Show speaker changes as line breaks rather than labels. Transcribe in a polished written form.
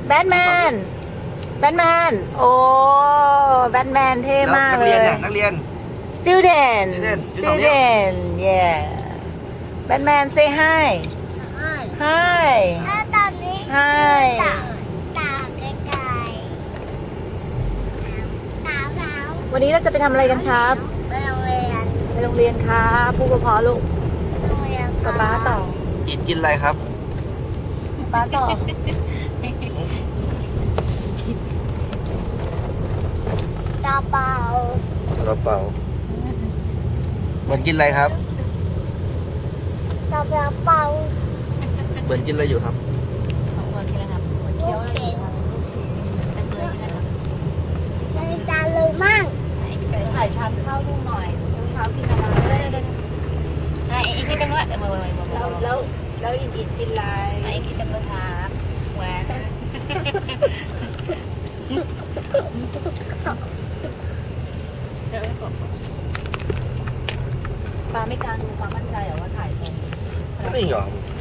แบทแมนโอ้แบทแมนเท่มากเลย
นักเรียน
student yeah แบทแมน say hi
ถ้าตอนนี้
hi
ตาไกลๆตาขาว
วันนี้เราจะไปทำอะไรกันครับ
ไปโรงเรียน
ไปโรงเรียนครับผู้ปกครองลูก
โรงเรียน
ป๊าต่อ
อิดกินอะไรครับ
ป๊าต่อ
ตาเปล่าก
ระเป๋าเหมือนกินอะไรครับ
ตาเปล่า
เหมือนกินอะไรอยู่ครับ
ลูกเข็นในจานเลยมั่ง
ถ่ายชามข้าวลูกหน่อยเช้ากินอะไรอีกนิดนึงว่าแล้วอีกกินอะไรอีกนิดนึงครับแหวนปลาไม่กล้าดูความมั่นใจหรอว่าถ่ายตรง
ไม่ยอม